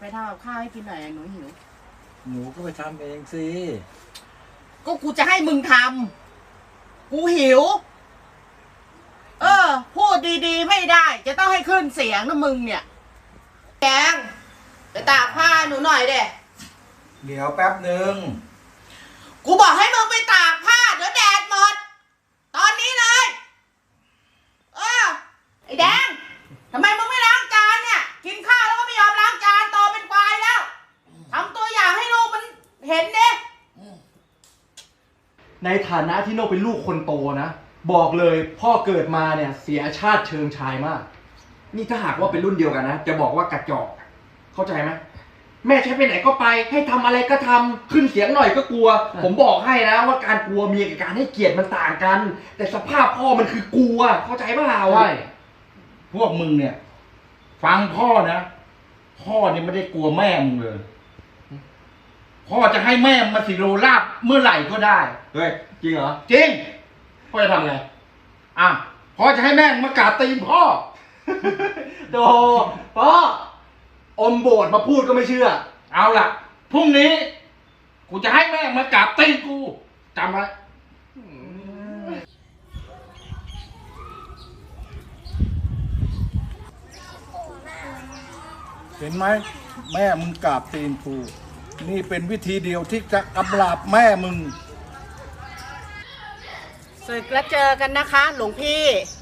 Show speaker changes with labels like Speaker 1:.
Speaker 1: ไปทำกับข้าวให้กินหน่อยหนูหิว
Speaker 2: หนูก็ไปทำเองสิ
Speaker 1: ก็กูจะให้มึงทำกูหิวพูดดีๆไม่ได้จะต้องให้ขึ้นเสียงนะมึงเนี่ยแกงไปตากผ้าหนูหน่อยเด้
Speaker 2: เดี๋ยวแป๊บหนึ่ง
Speaker 1: กูบอกให้มึงไปตากผ้าเดี๋ยวแดดหมดตอนนี้เลยไอ้แดงทำไมมึงไม่ล้างจานเนี่ยกินข้าวแล้วก็ไม่ยอมล้างจานโตเป็นควายแล้วทำตัวอย่างให้ลูกมันเห็นดิ
Speaker 3: ในฐานะที่โน่เป็นลูกคนโตนะบอกเลยพ่อเกิดมาเนี่ยเสียชาติเชิงชายมากนี่ถ้าหากว่าเป็นรุ่นเดียวกันนะจะบอกว่ากระจอกเข้าใจไหมแม่ใช้ไปไหนก็ไปให้ทำอะไรก็ทำขึ้นเสียงหน่อยก็กลัวผมบอกให้นะว่าการกลัวเมียกับการให้เกียรติมันต่างกันแต่สภาพพ่อมันคือกลัวเข้าใจเปล่าใช่
Speaker 2: พวกมึงเนี่ยฟังพ่อนะพ่อเนี่ยไม่ได้กลัวแม่มึงเลยพ่อจะให้แม่มาสิโรลาบเมื่อไหร่ก็ได้
Speaker 3: เฮ้ยจริงเหรอ
Speaker 2: จริง
Speaker 3: พ่อจะทำไง
Speaker 2: พ่อจะให้แม่มากราบตีนพ่อ
Speaker 3: โดพ่ออมโบสถ์มาพูดก็ไม่เชื่อ
Speaker 2: เอาล่ะพรุ่งนี้กูจะให้แม่มากราบตีนกูจำไว้เห็นไหมแม่มึงกราบตีนกูนี่เป็นวิธีเดียวที่จะกำราบแม่มึง
Speaker 1: ศึกแล้วเจอกันนะคะหลวงพี่